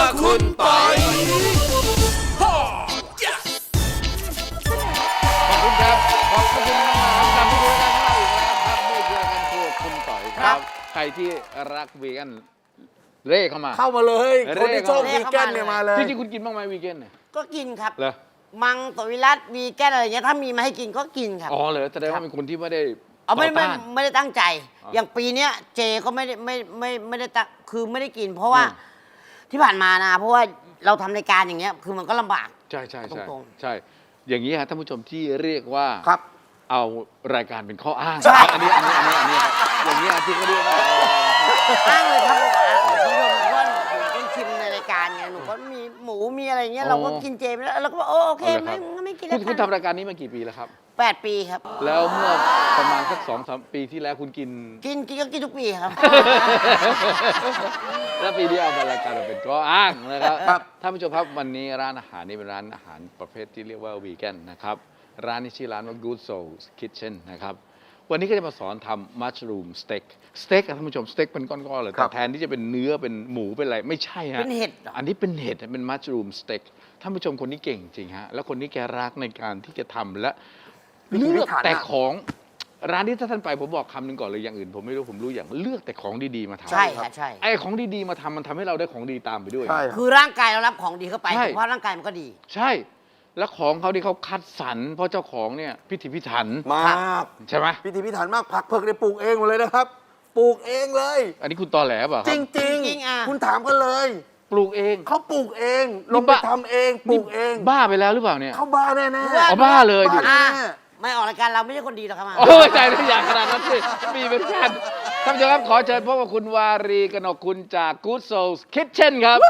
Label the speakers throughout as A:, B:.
A: คุณปอย
B: ขอบคุณครับขอบคุณมากๆกลับมาดูกันอีกแล้วครับนี่คือการครัวคุณต่อยครับ ใครที่รักวีแกนเร่เข้ามา
C: เลยคนที่ชอบวีแกนเนี่ยมาเลย
B: จริงๆคุณกินบ้างไหมวีแกนเนี่ย
D: ก็กินครับ
B: เหรอ
D: มังสวิรัตวีแกนอะไรเงี้ยถ้ามีมาให้กินก็กินครับ
B: อ๋อเหรอแสดงว่าเป็นคนที่ไม่ได้
D: เอาไม่
B: ต่อต้าน
D: ไม่ได้ตั้งใจ
B: อ๋อ
D: อ
B: อย่าง
D: ปีเนี้ยเจก็ไม่ได้ตั้งคือไม่ได้กิน เพราะว่าที่ผ่านมานะเพราะว่าเราทำรายการอย่างเงี้ยคือมันก็ลำบาก
B: ใช่ใช่ใช่
D: ตรงๆ
B: ใช่ อย่างนี้ฮะท่านผู้ชมที่เรียกว่า
C: ครับ
B: เอารายการเป็นข้ออ้าง
D: ใช่
B: อันนี้ครับอย่างนี้ที่เขาเรียกว่า
D: อ้างเลยครับคุณผู้ชมเพราะว่าหนูเป็นชิมในรายการไงหนูก็มีหมูมีอะไรเงี้ยเราก็กินเจไปแล้วเราก็บอกโอเคไม่กินแล้ว
B: คุณทำรายการนี้มากี่ปีแล้วครับ
D: 8 ปีครับ
B: แล้วเมื่อประมาณสัก2-3 ปีที่แล้วคุณกิน
D: กินก็กินทุกปีครับ
B: แล้วปีนี้เอามารายการเราเป็นข้ออ้างนะครับ
C: ครับ
B: ท่านผู้ชมครับวันนี้ร้านอาหารนี้เป็นร้านอาหารประเภทที่เรียกว่าวีแกนนะครับร้านนี้ชื่อร้านว่า Good Souls Kitchen นะครับวันนี้ก็จะมาสอนทำมัชรูมสเต็กสเต็กท่านผู้ชมสเต็กเป็นก้อนๆเลย
C: ครั
B: แต่
C: บ
B: แทนที่จะเป็นเนื้อเป็นหมูเป็นอะไรไม่ใช่ฮะ
D: เป็นเห็ดเหรอ
B: อันนี้เป็นเห็ดเป็นมัชรูมสเต็กท่านผู้ชมคนนี้เก่งจริงฮะแล้วคนนี้แกรักในการที่จะทำและเลือกแต่ของร้านนี้ถ้าท่านไปผมบอกคำหนึ่งก่อนเลยอย่างอื่นผมไม่รู้ผมรู้อย่างเลือกแต่ของดีๆมาทำ
D: ใช่ค่ะใช่
B: ไอ้ของดีๆมาทำมันทำให้เราได้ของดีตามไปด้วย
C: ใช่
D: คือร่างกายเรารับของดีเข้าไป
B: ใช่
D: สุขภาพร่างกายมันก็ดี
B: ใช่ แล้วของเขาที่เขาคัดสรรเพราะเจ้าของเนี่ยพิถีพิถัน
C: มาก
B: ใช่ไหม
C: พิธีพิถันมากผักเผือกได้ปลูกเองหมดเลยนะครับ ปลูกเองเลย
B: อันนี้คุณตอแหลเปล่าค
C: จ
B: รับ
C: ริง
D: จริงๆอ่ะ
C: คุณถามกันเลย
B: ปลูกเอง
C: เขาปลูกเอง
B: นี่
C: ลงไป
B: บ้า
C: ทำเองปลูกเอง
B: บ้าไปแล้วหรือเปล่าเนี่ย
C: เขาบ้าแน่ๆ
B: อ๋อบ้าเลยดิ
C: บ้า
D: อ่ะ
C: แน่
D: ไม่ออกรายการเราไม่ใช่คนดีหรอกครับ
B: โอ้ยใจทุกอย่างขนาดนั้นสิมีเป็นแฟนท่านผู้ชมครับขอเชิญพบกับคุณวารีกนกคุณจาก Good Souls Kitchen ครับ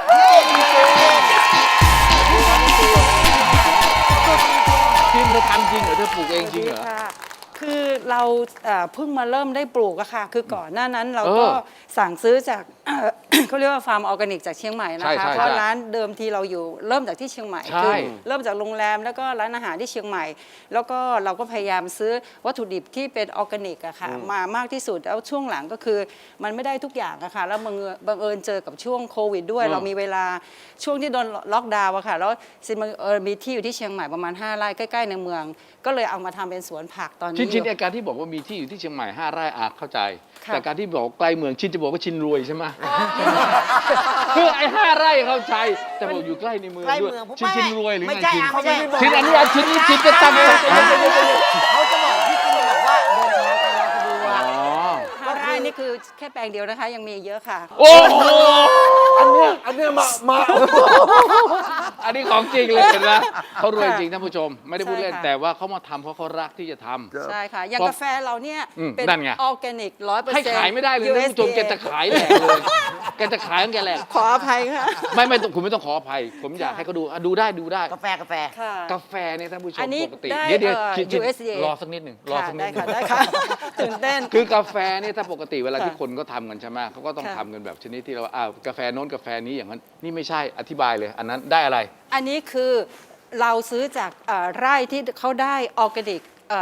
B: ทีมเธอทำจริงเหรอเธอปลูกเองจริงเหรอ
E: ค่ะคือเราเพิ่งมาเริ่มได้ปลูกอะค่ะ คือก่อนหน้านั้นเราก็
B: เออ
E: สั่งซื้อจาก เขาเรียกว่าฟาร์มออร์แกนิกจากเชียงใหม่นะ
B: ใช่
E: คะ
B: ใช่
E: เพราะ
B: ใช่
E: ร้านเดิมทีเราอยู่เริ่มจากที่เชียงใหม่
B: ใช่
E: คือเริ่มจากโรงแรมแล้วก็ร้านอาหารที่เชียงใหม่ แล้วก็เราก็พยายามซื้อวัตถุดิบที่เป็นออร์แกนิกอะค่ะมามากที่สุดแล้วช่วงหลังก็คือมันไม่ได้ทุกอย่างอะค่ะแล้วบังเอิญเจอกับช่วงโควิดด้วย เรามีเวลาช่วงที่โดนล็อกดาวน์อะค่ะแล้วซิบังเอิญมีที่อยู่ที่เชียงใหม่ประมาณ5 ไร่ใกล้ๆในเมือง ก็เลยเอามาทำเป็นสวนผักตอนนี้
B: ชิน
E: อยู่
B: อาการที่บอกว่ามีที่อยู่ที่เชียงใหม่5 ไร่อาเข้าใจ
E: ค่ะ
B: แต่การที่บอกใกล้เมืองชินจะบอกว่าชินรวยใช่ไหมคือไอ้5 ไร่เข้าใจ แต่บอกอยู่ใกล้ในเมือง
D: ใกล้
B: ด้วย
D: เมืองผม
B: ชินรวยหรือ
D: ไม่
B: ไง
D: ใช่
B: ชิน
D: อ่ะไม่ใช่
B: ชินอันนี้ชินนี่ชินจะตั้งใจ
D: เขาจะบอกพี่กินบอกว่าเดินทางไปมาสะดว
B: อ๋
D: ก
B: อ
E: 5 ไร่นี่คือแค่แปลงเดียวนะคะ ยังมีเยอะค่ะ
B: โอ้โห
C: อันเนี้ยมา
B: อันนี้ของจริงเลยเห็นไหมเขารวยจริงท่านผู้ชม ไม่ได้พูดเล่น
E: ใช่ค่ะ
B: แต่ว่าเขามาทำเพราะเขารักที่จะทำ
E: ใช่ค่ะ อย่าง
B: เพราะ
E: กาแฟเราเนี่ย เป็น
B: นั่นไง
E: ออร์แกนิก100%
B: ให้ขายไม่ได้เลยนะท่านผู้ชม แกจะขายแหลกเลยแกจะขายของแกแหลก
E: ขออภัยค่ะ
B: ไม่คุณไม่ต้องขออภัย ผมอยากให้เขาดูดูได้
D: กาแฟ
E: ค่ะ
B: กาแฟเนี่ยท่านผู้ชม
E: อันนี้
B: ปกติ
E: ได้
B: เดี๋ยว
E: USDA
B: รอสักนิดหนึ่งรอสักนิดหนึ่ง
E: ได้ค่ะ ตื่นเต้น
B: คือกาแฟเนี่ยถ้าปกติเวลา
E: ค่ะ
B: ที่คนก็ทำกันใช่ไหมเขาก็ต้อง
E: ค่ะ
B: ทำกันแบบชนิดที่เรากาแฟโน้นกาแฟนี้อย่างนั้นนี่ไม่ใช่อธิบายเลย อันนั้นได้อะไร
E: อันนี้คือเราซื้อจากไร่ที่เขาได้ออร์แกนิก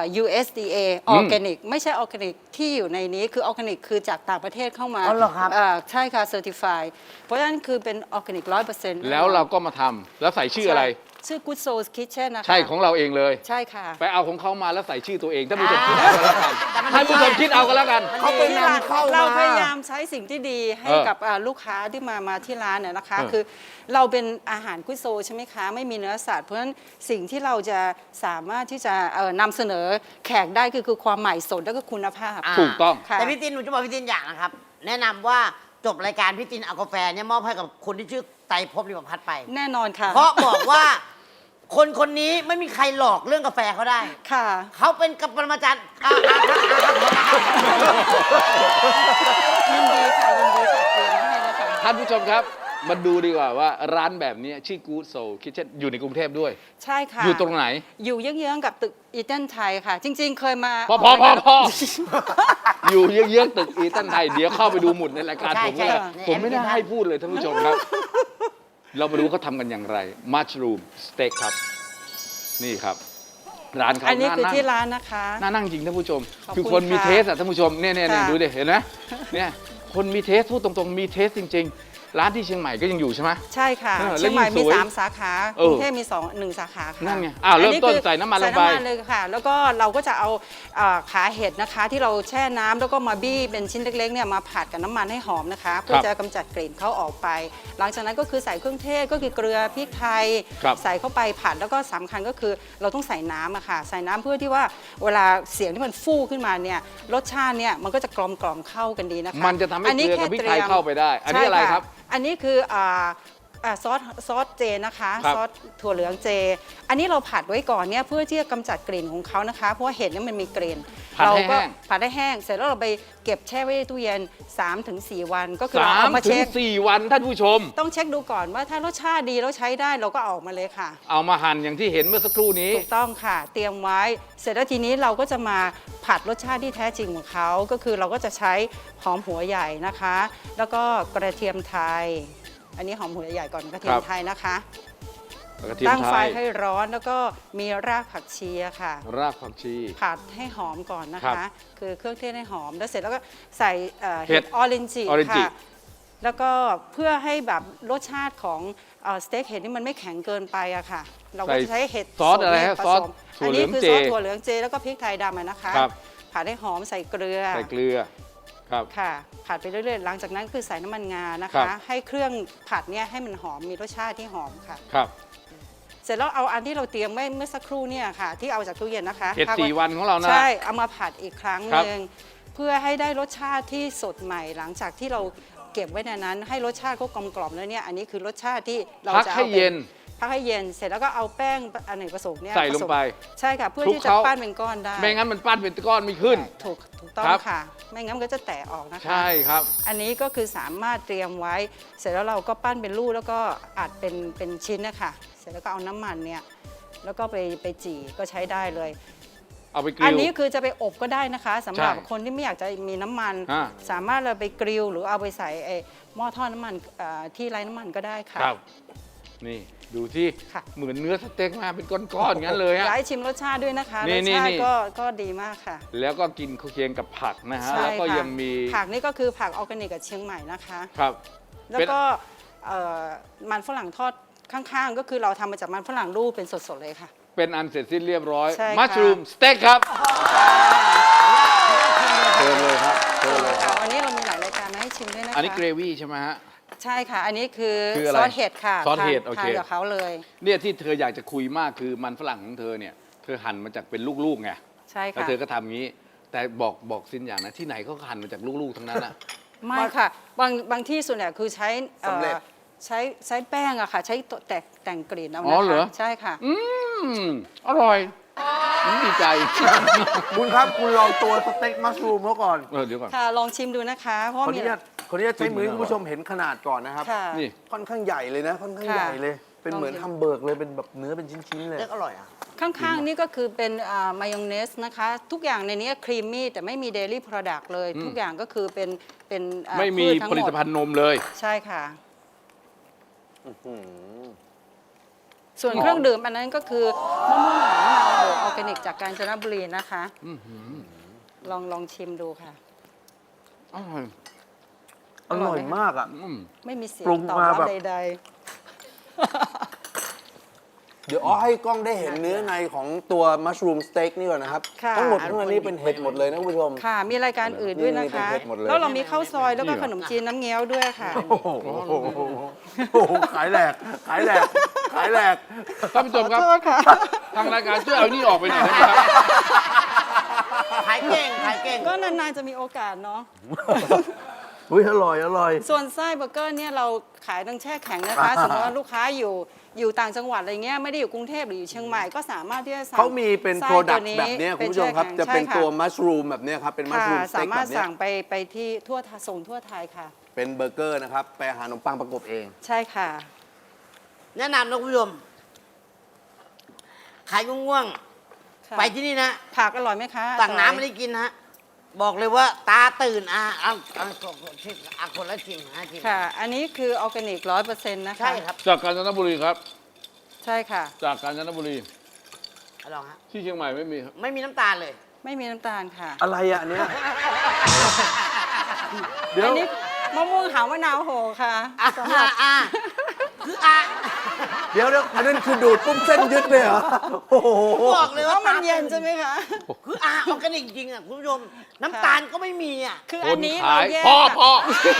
E: USDA ออร์แกนิกไม่ใช่ออร์แกนิกที่อยู่ในนี้คือออร์แกนิกคือจากต่างประเทศเข้ามา
D: อ๋อเหรอครับ
E: ใช่ค่ะเซอร์ติฟายเพราะฉะนั้นคือเป็นออร์แกนิก100%
B: แล้วเราก็มาทำแล้วใส่ชื่ออะไร
E: ชื่อ Good Souls Kitchen นะคะ
B: ใช่ของเราเองเลย
E: ใช่ค่ะ
B: ไปเอาของเขามาแล้วใส่ชื่อตัวเองท่านผู้ชมคิดเอาก็แล้วกันท่านผู้ชมคิดเอาก็แล้วกัน
C: เขาไปนำเข้า
E: เรา
C: มา
E: พยายามใช้สิ่งที่ดีให้กับลูกค้าที่มาที่ร้านเนี่ยนะคะ คือเราเป็นอาหารกุโซใช่ไหมคะ ไม่มีเนื้อสัตว์เพราะฉะนั้นสิ่งที่เราจะสามารถที่จะนำเสนอแขกได้คือความใหม่สดและก็คุณภาพ
B: ถูกต้อง
E: ค่ะ
D: แต่พี่ตินหนูจะบอกพี่ตินอย่างนะครับ แนะนำว่าจบรายการพี่ตินเอากาแฟเนี่ยมอบให้กับคนที่ชื่อไตรภพริมพัฒน์ไป
E: แน่นอนค่ะ
D: เพราะบอกว่าคนนี้ไม่มีใครหลอกเรื่องกาแฟเขาได้
E: ค่ะ
D: เขาเป็นกับปรมาจารย์
E: ยินดีค่ะยินดีค่ะเตรียมให้แล้วค่ะ
B: ท่านผู้ชมครับมาดูดีกว่าว่าร้านแบบนี้ชื่อ Good Soul Kitchen อยู่ในกรุงเทพด้วย
E: ใช่ค่ะ
B: อยู่ตรงไหน
E: อยู่เยื้องๆกับตึกอีเทนไทยค่ะ จริง ๆ เคยมา
B: พออยู่เยื้องๆตึกอีตันไทยเดี๋ยวเข้าไปดูหมุดในรายการ
D: ใช่
B: ผม
D: ใช่
B: เนี่ย
D: ใน
B: ผมไม่ได้
D: แอปพลิเคชัน
B: ให้พูดเลยท่านผู้ชมครับ เรามาดูเขาทำกันอย่างไรมัชรูมสเต็กครับ นี่ครับ ร้านเขา
E: อันนี้คือ
B: นั่ง
E: ที่ร้านนะคะ
B: น่านั่งจริงท่านผู้ชม
E: ขอบคุณ
B: คือคนมี
E: ค่ะ
B: เทสอะท่านผู้ชมเนี่ย
E: ค่ะ
B: ดูดิเห็นไหมเนี่ยคนมีเทสพูดตรงๆมีเทสจริง ๆร้านที่เชียงใหม่ก็ยังอยู่ใช่ไหม
E: ใช่ค่ะ
B: เออ
E: เชียงใหม่
B: แล้วยิ่
E: มี
B: งสวย
E: 3 สาขา
B: เอก อ
E: รุงเทพมี1 สาขาค่ะ
B: นั่นไงอ้าวเริ่มต้น
E: คือ
B: ใส่น้ำมันลงไป
E: ใส่น้ำมันเลยค่ะ แล้วก็เราก็จะเอาขาเห็ดนะคะ ที่เราแช่น้ำแล้วก็มาบี้เป็นชิ้นเล็กๆเนี่ยมาผัดกับน้ำมันให้หอมนะคะ เพื่อจะกำจัดกลิ่นเขาออกไป หลังจากนั้นก็คือใส่เครื่องเทศก็คือเกลือพริกไทย
B: ครับ
E: ใส่เข้าไปผัดแล้วก็สำคัญก็คือเราต้องใส่น้ำอะค่ะใส่น้ำเพื่อที่ว่าเวลาเสียงที่มันฟู่ขึ้นมาเนี่ยรสชาติเนี่ยมันก็จะกลมเข้ากันดีนะคะ
B: มันจะทำให้เกลือกับพริกไทยเข้าไปได้ อันนี้อะไรครับ
E: อันนี้คือซอสเจนะคะ
B: ครับ
E: ซอสถั่วเหลืองเจ อันนี้เราผัดไว้ก่อนเนี่ยเพื่อที่จะกำจัดกลิ่นของเขานะคะ เพราะว่าเห็ดเนี่ยมันมีกลิ่น
B: ผัดให้
E: ก็
B: แห้ง
E: ผัดได้แห้ง เสร็จแล้วเราไปเก็บแช่ไว้ในตู้เย็น 3-4 วันก็คือเรา
B: 3
E: เอามา
B: ถึ
E: เช็
B: ง
E: ค
B: 4 วันท่านผู้ชม
E: ต้องเช็คดูก่อนว่าถ้ารสชาติดีแล้วใช้ได้เราก็เอาออกมาเลยค่ะ
B: เอามาหั่นอย่างที่เห็นเมื่อสักครู่นี้
E: ถูกต้องค่ะ เตรียมไว้ เสร็จแล้วทีนี้เราก็จะมาผัดรสชาติที่แท้จริงของเขาก็คือเราก็จะใช้หอมหัวใหญ่นะคะ แล้วก็กระเทียมไทย อันนี้หอมหัวใหญ่ก่อนกระเทียมไทยนะคะ
B: กระเทียม
E: ตั้ง
B: ไท
E: ไฟ
B: ย
E: ให้ร้อนแล้วก็มีรากผักชีอะค่ะ
B: รากผักชี
E: ผัดให้หอมก่อนนะ
B: ครั
E: คะ
B: บ
E: คือเครื่องเทศให้หอมแล้วเสร็จแล้วก็ใส่
B: เห็ด
E: เห็ดออเรนจิ
B: orange
E: ค่ะ แล้วก็เพื่อให้แบบรสชาติของสเต็กเห็ดนี่มันไม่แข็งเกินไปอะค่ะ เราก็จะใช้เห็ด
B: ซอสอะไรฮะ
E: ผ
B: ซอส
E: สม
B: ถั่
E: อั
B: วน เหลื
E: นี้
B: อง
E: คือ
B: เจ
E: ซอสถั่วเหลืองเจแล้วก็พริกไทยดำอะนะคะ
B: ครับ
E: ผัดให้หอมใส่เกลือ
B: ใส่เกลือครับ
E: ค่ะผัดไปเรื่อยๆหลังจากนั้นคือใส่น้ำมันงานะ
B: ครั
E: คะ
B: บ
E: ให้เครื่องผัดเนี่ยให้มันหอมมีรสชาติที่หอมค่ะ
B: ครับ
E: เสร็จแล้วเอาอันที่เราเตรียมไว้เมื่อสักครู่เนี่ยค่ะ ที่เอาจากตู้เย็นนะคะ
B: เห็ด
E: พักไ
B: 4 วันของเรานะ
E: ใช่เอามาผัดอีกครั้ง
B: ครับ
E: หนึ่งเพื่อให้ได้รสชาติที่สดใหม่หลังจากที่เราเก็บไว้ในนั้น ให้รสชาติเขากลมกล่อมแล้วเนี่ยอันนี้คือรสชาติที่เรา
B: พัก
E: จะ
B: ให้
E: เอาไป
B: เย็น
E: พักให้เย็นเสร็จแล้วก็เอาแป้งอเนกประสงค์เนี่ย
B: ใส่ลงไป
E: ผสมใช่ค่ะเพื่อ
B: คลุก
E: ที่จะ
B: เคล้า
E: ปั้นเป็นก้อนได้
B: ไม่งั้นมันปั้นเป็นก้อนไม่ขึ้น
E: ถูกต้อง
B: ครับ
E: ค่ะ ไม่งั้นมันก็จะแตกออกนะคะ
B: ใช่ครับ
E: อันนี้ก็คือสามารถเตรียมไว้ เสร็จแล้วเราก็ปั้นเป็นลูกแล้วก็อัดเป็นชิ้นนะคะเสร็จแล้วก็เอาน้ำมันเนี่ยแล้วก็ไปจี่ก็ใช้ได้เลย
B: เอาไปกริ
E: อัน
B: ล
E: นี้คือจะไปอบก็ได้นะคะสำหรับ
B: ใช่
E: คนที่ไม่อยากจะมีน้ำมัน
B: อ่า
E: สามารถเราไปกริลหรือเอาไปใส่ไอ้หม้อทอดน้ำมันที่ไร้น้ำมันก็ได้ค่ะ
B: ครับ นี่ดูที่
E: ค่ะ
B: เหมือนเนื้อสเต็กมาเป็นก้อนๆงั้นเลยฮะ
E: อยากให้ชิมรสชาติด้วยนะคะ
B: นี่
E: รสชา
B: นี่
E: ติก็ดีมากค่ะ
B: แล้วก็กินเคียงกับผักนะฮะ
E: ใช่
B: แล้วก็
E: ค่ะ
B: ยังมี
E: ผักนี่ก็คือผักออร์แกนิกกับเชียงใหม่นะคะ
B: ครับ
E: แล้วก็มันฝรั่งทอดข้างๆ ก็คือเราทำมาจากมันฝรั่งรูปเป็นสดๆเลยค่ะ
B: เป็นอันเสร็จสิ้นเรียบร้อย
E: ใช่ค่ะ
B: มัชรูมสเต็กครับเชิญเลยครับเชิญเลยครับ
E: วันนี้เรามีหลายรายการมาให้ชิมด้วยนะคะ
B: อันนี้เกรวี่ใช่ไหมฮะ
E: ใช่ค่ะ อันนี้คือ
B: คืออะไร
E: ซอสเห็ดค่ะ
B: ซอสเห็ด
E: ทาน
B: โอเค
E: ทานกับเขาเลย
B: เนี่ยที่เธออยากจะคุยมากคือมันฝรั่งของเธอเนี่ย เธอหั่นมาจากเป็นลูกๆไง
E: ใช่
B: แล้ว
E: ค่ะ
B: เธอก็ทำงี้ แต่บอกซินอย่างนะที่ไหนเขาก็หั่นมาจากลูกๆทั้งนั้นอ่ะ
E: ไม่ค่ะ บางที่ส่วนใหญ่คือใช้ใช้แป้งอะค่ะ ใช้แต่งกลิ่นเอา
B: อ๋อ
E: นะ
B: เหรอ
E: คะใช่ค่ะ
B: อร่อยดีใจ
C: คุณครับคุณลองตัวสเต็กมัชรูมเขาก่อน
B: เดี๋ยวก่อน
E: ค่ะลองชิมดูนะคะ เพราะ
C: ขออ
E: มี
C: นุญาตใช้มือให้คุณผู้ชมเห็นขนาดก่อนนะครับ
E: ค่ะ
B: นี่
C: ค่อนข้างใหญ่เลยนะ ค่อนข้าง
E: ค่ะ
C: ใหญ่เลย เป็นเหมือน
E: ลองชิม
C: ฮัมเบอร์กเลย เป็นแบบเนื้อเป็นชิ้นๆเลย
D: เลือกอร่อยอ่ะ
E: ข้างๆ นี่ก็คือเป็นมายองเนสนะคะ ทุกอย่างในนี้ครีมมี่แต่ไม่มีเดลี่โปรดักต์เลย ทุกอย่างก็คือเป็น
B: ไม่มี
E: พืชทั้ง
B: ผลิ
E: ห
B: ต
E: ด
B: ภัณฑ์นมเลย
E: ใช่ค่ะ
C: อื้อหือ
E: ส่วนเครื่องดื่มอันนั้นก็คือมะม่วงหอมมะนาวออร์แกนิกจากกาญจนบุรีนะคะ ลองชิมดูค่ะ
B: อร่อย
C: อร่อยมากอ่ะ
E: ไม่มีเสียง
C: ปรุง
E: ตอบ
C: มา
E: รับ
C: แบบ
E: ใด
C: เดี๋ยวให้กล้องได้เห็นเนื้อในของตัวมัชรูมสเต็กนี่ก่อนนะครับ
E: ค่ะ
C: ทั้งหมดทั้งนั้นนี่เป็นเห็ดหมดเลยนะคุณผู้ชม
E: ๆ ค่ะ มีรายการอื่นด้วยนะคะ
C: นี่เป็นเผ็ดหมดเลย
E: แล้วเรามีข้าวซอยแล้วก็ขนมจีนน้ำเงี้ยวด้วยค่ะ
C: โอ้โหโอ้โหขายแหลก ขายแหลก ขายแหลก
B: ท่านผู้ชมครับ
E: โทษค่ะ
B: ทางรายการช่วยเอานี่ออกไปหน่อยได้ไหมครับ
D: ขายเก่ง ขายเก่ง
E: ก็นานๆจะมีโอกาสเนาะ
C: อุ้ยอร่อย อร่อย
E: ส่วนไส้เบอร์เกอร์เนี่ยเราขายทั้งแช่แข็งนะคะ สมมติว่าลูกค้าอยู่ต่างจังหวัดอะไรเงี้ยไม่ได้อยู่กรุงเทพหรืออยู่เชียงใหม่ก็สามารถที่จะสั่ง
C: เขามีเป็น
E: ไส้
C: โปรดัก
E: ว
C: ต์
E: นี้
C: แบบเนี้ยคุณผู้ชมครับ
E: แช่
C: จะ
E: แข็ง
C: เป็น
E: ใช่
C: ตัว
E: ค่ะ
C: มัชรูมแบบเนี้ยครับ เป็นมัช
E: ค่ะ
C: รูมส
E: สา
C: เต็ก
E: มา
C: แบ
E: รถ
C: บเนี้ย
E: สั่งไปที่ส่งทั่วไทยค่ะ
C: เป็นเบอร์เกอร์นะครับ ไปหาขนมปังประกบเอง
E: ใช่ค่ะ
D: แนะนำนะคุณผู้ชม ขายง่วง
E: ค่ะ
D: ๆไปที่นี่นะ
E: ผักอร่อยไหมคะ
D: สั่งน้ำ
E: อร่
D: ไม่
E: อย
D: ได้กินฮะ บอกเลยว่าตาตื่นเอาคนละชิมชิม
E: ค่ะ อันนี้คือออร์แกนิก100%นะคะ
D: ใช่ครับ
B: จากกาญจนบุรีครับ
E: ใช่ค่ะ
B: จากกาญจนบุรี
D: ลองฮะ
B: ที่เชียงใหม่ไม่มีครับ
D: ไม่มีน้ำตาลเลย
E: ไม่มีน้ำตาลค่ะ
C: อะไรอ่ะอันเนี้ย เดี๋ยว
E: อันนี้มะม่วงหาวมะนาวโหค่ะ
D: สำหรับ คืออ่ะ
C: เดี๋ยวอันนั้นคือดูดปุ๊บเส้นยึดเลยเหรอ โอ้โห
D: บอกเลย
E: เพ
D: ว่า
E: ราะมันเย็นใช่ไหมคะ
D: คือออร์แกนิกจริงอ่ะคุณผู้ชม น้ำตาลก็ไม่มีอ่ะ
E: คือ
B: ค
E: อั
B: น
E: นนี้
B: ขา
E: เรา
B: ย
E: แยก
B: พอ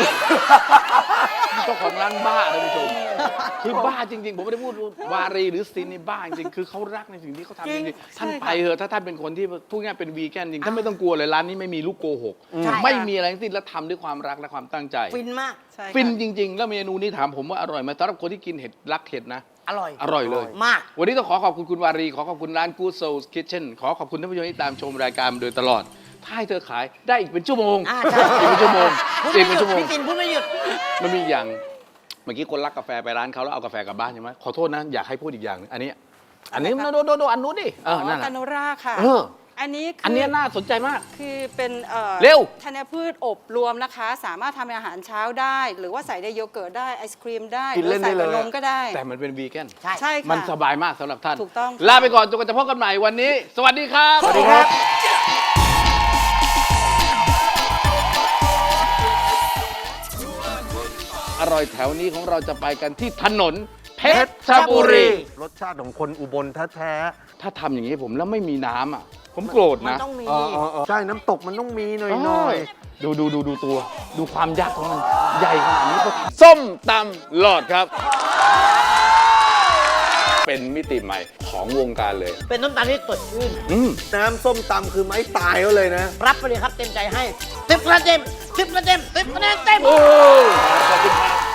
B: เจ้าของร้านบ้าท่านผู้ชมคือบ้าจริงๆผมไม่ได้พูดวารีหรือซินนี่บ้าจริงๆคือเขารักในสิ่งที่เขาทำจริงๆท่านไปเถอะถ้าท่านเป็นคนที่พูดง่ายๆเป็นวีแกนจริงท่านไม่ต้องกลัวเลยร้านนี้ไม่มีลูกโกหก
D: ใช่
B: ไม่มีอะไรทั้งสิ้นและทำด้วยความรักและความตั้งใจ
D: ฟินมาก
E: ใช่ค่ะ
B: ฟินจริง ๆ แล้วเมนูนี้ถามผมว่าอร่อยไหมสำหรับคนที่กินเห็ดรักเห็ดนะ
D: อร่อย
B: อร่อยเลย
D: มาก
B: วันนี้ต้องขอคุณคุณวารีขอขอบคุณร้าน Good Soul Kitchen ขอขอบคุณท่านผู้ชมที่ตามชมรายการมาโดยตลอด ถ้าให้เธอขายได้อีกเป็นชั่วโมง
D: ใช่
B: อีกเป็นชั่วโมง
D: พูด
B: อี
D: ไม่
B: ก
D: ห
B: เป็น
D: ยุด
B: ชั่วโมง
D: พี่ตินพูดไม่หยุด
B: มันมีอย่างเมื่อกี้คนรักกาแฟไปร้านเขาแล้วเอากาแฟกลับบ้านใช่ไหมขอโทษนะอยากให้พูดอีกอย่างหนึงอันนี้โดอันนู้นดินั่นแห
E: กา
B: ละ
E: โนราค่ะ
B: เออ
E: อันนี้คื
B: อันเนี้ยน่าสนใจมาก
E: คือเป็น
B: เร็ว
E: ธัญพืชอบรวมนะคะ สามารถทำเป็นอาหารเช้าได้ หรือว่าใส่ในโยเกิร์ตได้ไอศครีมได้
C: กิน
E: หรื
C: เล่นได้
E: ใส่
C: เลย
E: กับนมก็ได้
B: แต่มันเป็นวีแกน
D: ใช่
E: ใช่ค่ะ
B: มันสบายมากสำหรับท่าน
E: ถูกต้อง
B: ลาไปก่อนจนกว่าจะพบกันใหม่วันนี้ สวัสดีครับ
C: สวัสดีครับ
B: อร่อยแถวนี้ของเราจะไปกันที่ถนนเพชรบุรี
C: รสชาติของคนอุบลแท้
B: ถ้าทำอย่างนี้ผมแล้วไม่มีน้ำอ่ะ ผมโกรธ
D: มัน
B: นะ
D: ต้องมี
C: ๆใช่น้ำตกมันต้องมีหน่อย
B: ดูตัว ดูความยักษ์ของมัน ใหญ่ขนาดนี้ก็ส้มตำหลอดครับ เป็นมิติใหม่ของวงการเลย
D: เป็นน้ำตาลที่สดชื่น
C: ๆน้ำส้มตำคือไม้ตายเขาเลยนะ
D: รับไปเลยครับเต็มใจให้10 คะแนนเต็ม10 คะแนนเต็ม10 คะแนนเต็ม
B: โอ้ขอบคุณครับ